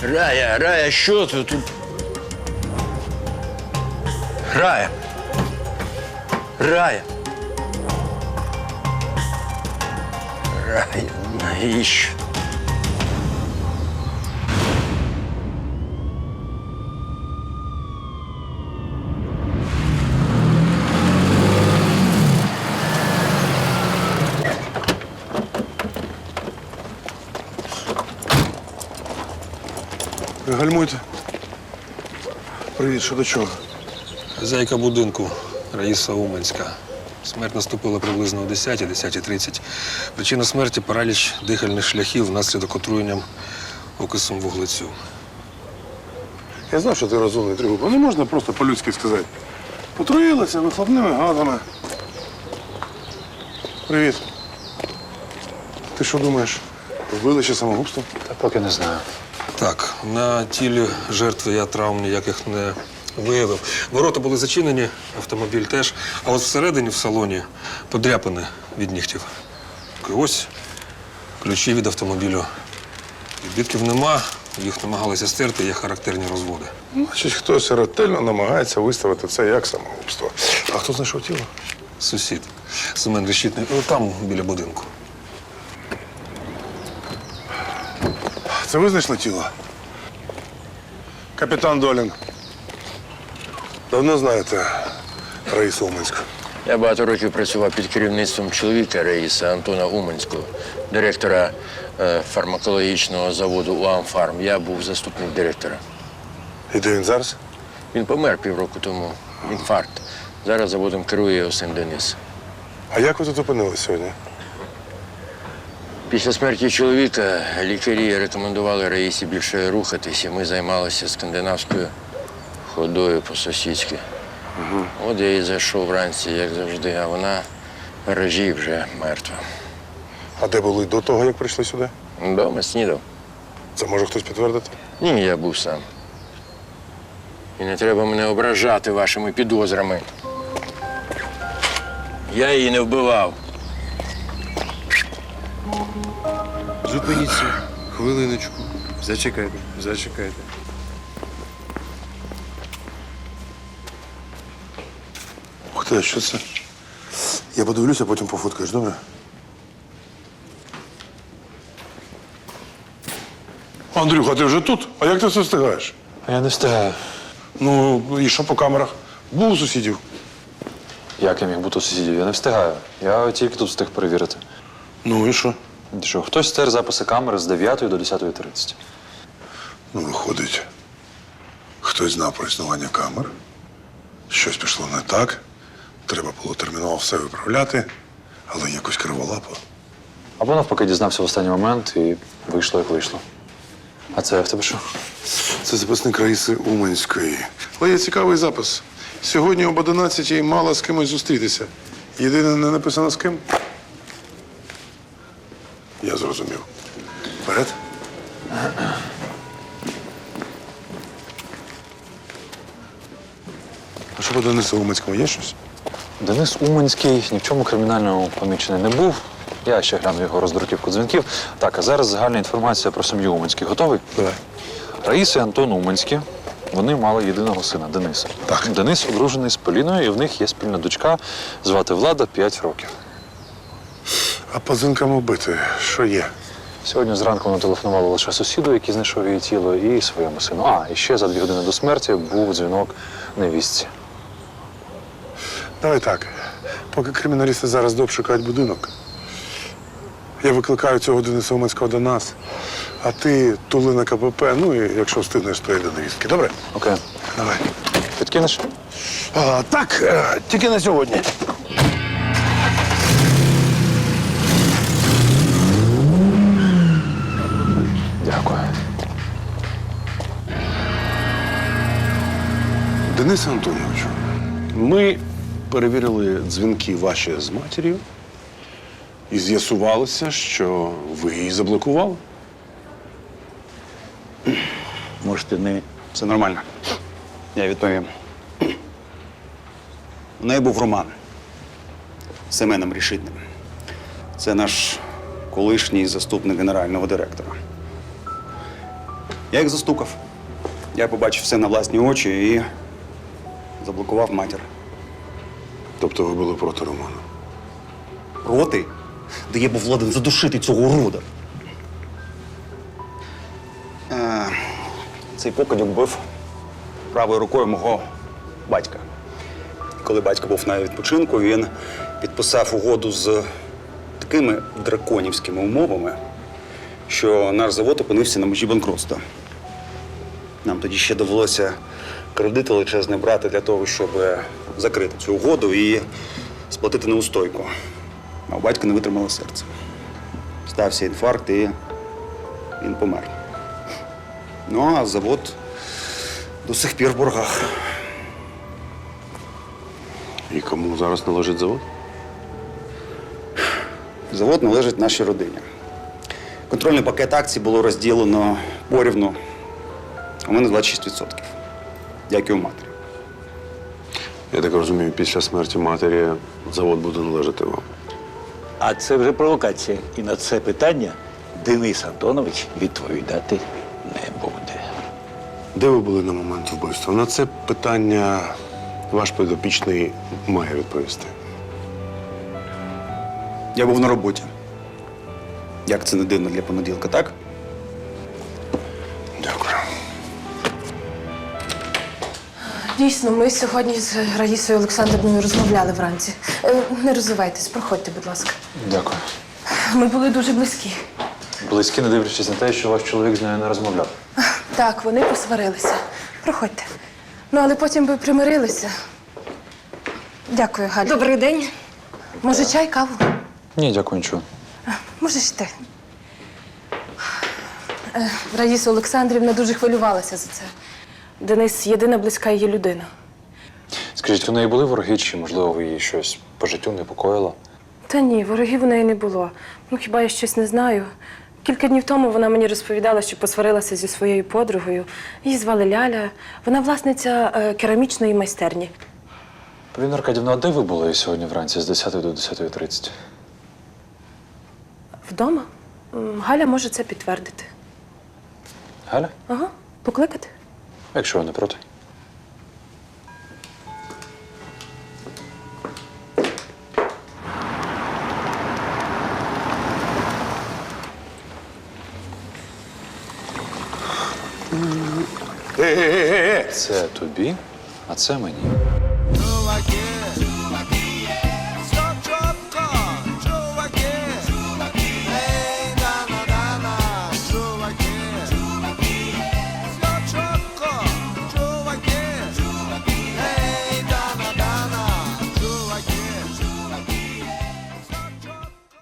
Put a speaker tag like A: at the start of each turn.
A: Рая, що ти тут? Рая. Рая, навіщо?
B: Гальмуйте. Привіт, що до чого?
C: Хазяйка будинку Раїса Уманська. Смерть наступила приблизно о 10:30. Причина смерті – параліч дихальних шляхів внаслідок отруєнням окисом вуглецю.
B: Я знав, що ти розумний, Тригуб. Не можна просто по-людськи сказати. Отруїлася вихлопними газами. Привіт. Ти що думаєш? Вбили чи самогубство?
D: Та поки не знаю.
C: Так, на тілі жертви я травм ніяких не виявив. Ворота були зачинені, автомобіль теж. А от всередині, в салоні, подряпини від нігтів. І ось ключі від автомобілю. Відбитків нема, їх намагалися стерти, є характерні розводи.
B: Значить, хтось ретельно намагається виставити це як самогубство. А хто знайшов тіло?
C: Сусід. Семен Решітний. Там, біля будинку.
B: Це ви знайшли тіло? Капітан Долін. Давно знаєте Раїсу Уманську?
A: Я багато років працював під керівництвом чоловіка Раїса Антона Уманського, директора фармакологічного заводу УАМФАРМ. Я був заступник директора.
B: І де він зараз?
A: Він помер півроку тому. Інфаркт. Зараз заводом керує його син Денис.
B: А як ви тут опинилися сьогодні?
A: Після смерті чоловіка лікарі рекомендували Раїсі більше рухатись, і ми займалися скандинавською ходою по-сусідськи. От я і зайшов вранці, як завжди, а вона в гаражі вже мертва.
B: А де були до того, як прийшли сюди?
A: Дома снідав.
B: Це може хтось підтвердити?
A: Ні, я був сам. І не треба мене ображати вашими підозрами. Я її не вбивав.
E: Зупиніться. Хвилиночку. Зачекайте.
B: Ух ти, що це? Я подивлюся, потім пофоткаєш, добре? Андрюха, ти вже тут? А як ти це встигаєш?
D: А я не встигаю.
B: Ну, і що по камерах? Був у сусідів.
D: Як я міг бути у сусідів? Я не встигаю. Я тільки тут встиг перевірити.
B: Ну і що?
D: Що, хтось стер записи камери з 9 до 10:30.
B: Ну, виходить, хтось знав про існування камер, щось пішло не так, треба було терміново все виправляти, але якось криволапо.
D: Або навпаки дізнався в останній момент і вийшло, як вийшло. А це в тебе що?
B: Це записник Раїси Уманської. Але є цікавий запис. Сьогодні об 11-й мала з кимось зустрітися. Єдине, не написано з ким. Я зрозумів. Вперед. А що по Денису Уманському є щось?
D: Денис Уманський ні в чому кримінальному помічений не був. Я ще гляну його роздруківку дзвінків. Так, а зараз загальна інформація про сім'ю Уманських. Готовий?
B: Давай.
D: Раїса і Антон Уманські. Вони мали єдиного сина Дениса.
B: Так.
D: Денис одружений з Поліною, і в них є спільна дочка, звати Влада, 5 років.
B: А по дзвінкам вбити, що є?
D: Сьогодні зранку вона телефонувала лише сусіду, який знайшов її тіло, і своєму сину. А, і ще за 2 години до смерті був дзвінок невістці.
B: Давай так. Поки криміналісти зараз дообшукають будинок, я викликаю цього Дениса Уманського до нас, а ти тули на КПП, ну і якщо встигнеш, то й до невістки. Добре?
D: Окей.
B: Давай.
D: Підкинеш?
B: Так, тільки на сьогодні.
D: Дякую.
B: Денисе Антоновичу, ми перевірили дзвінки ваші з матір'ю і з'ясувалося, що ви її заблокували.
F: Можете не. Все нормально. Я відповім. У неї був роман з Семеном Решітним. Це наш колишній заступник генерального директора. Я їх застукав. Я побачив все на власні очі і заблокував матір.
B: Тобто ви були проти Романа?
F: Проти? Де я був ладен задушити цього урода. Цей покидьок бив правою рукою мого батька. І коли батько був на відпочинку, він підписав угоду з такими драконівськими умовами, що наш завод опинився на межі банкрутства. Нам тоді ще довелося кредит величезний брати для того, щоб закрити цю угоду і сплатити неустойку. А у батька не витримало серце. Стався інфаркт і він помер. Ну, а завод до сих пір в боргах.
E: І кому зараз належить завод?
F: Завод належить нашій родині. Контрольний пакет акцій було розділено порівну. У мене 26%, як і у матері.
E: Я так розумію, після смерті матері завод буде належати вам.
G: А це вже провокація. І на це питання Денис Антонович відповідати не буде.
E: Де ви були на момент вбивства? На це питання ваш підопічний має відповісти.
F: Я був на роботі. Як це не дивно для понеділка, так?
E: Дякую.
H: Дійсно, ми сьогодні з Раїсою Олександрівною розмовляли вранці. Не розвивайтесь, проходьте, будь ласка.
D: Дякую.
H: Ми були дуже близькі.
D: Близькі, не дивлячись на те, що ваш чоловік з нею не розмовляв.
H: Так, вони посварилися. Проходьте. Ну, але потім ви примирилися. Дякую, Галь.
I: Добрий день.
H: Може, чай, каву?
D: Ні, дякую, нічого.
H: Можеш йти. Раїса Олександрівна дуже хвилювалася за це. Денис – єдина близька її людина.
D: Скажіть, у неї були вороги, чи, можливо, ви її щось по життю непокоїло?
H: Та ні, ворогів у неї не було. Ну, хіба я щось не знаю. Кілька днів тому вона мені розповідала, що посварилася зі своєю подругою. Її звали Ляля. Вона власниця керамічної майстерні.
D: Поліна Аркадівна, а де ви були сьогодні вранці з 10 до 10:30?
H: Вдома? Галя може це підтвердити.
D: Галя?
H: Ага. Покликати?
D: Якщо ви не проти. Це тобі, а це мені.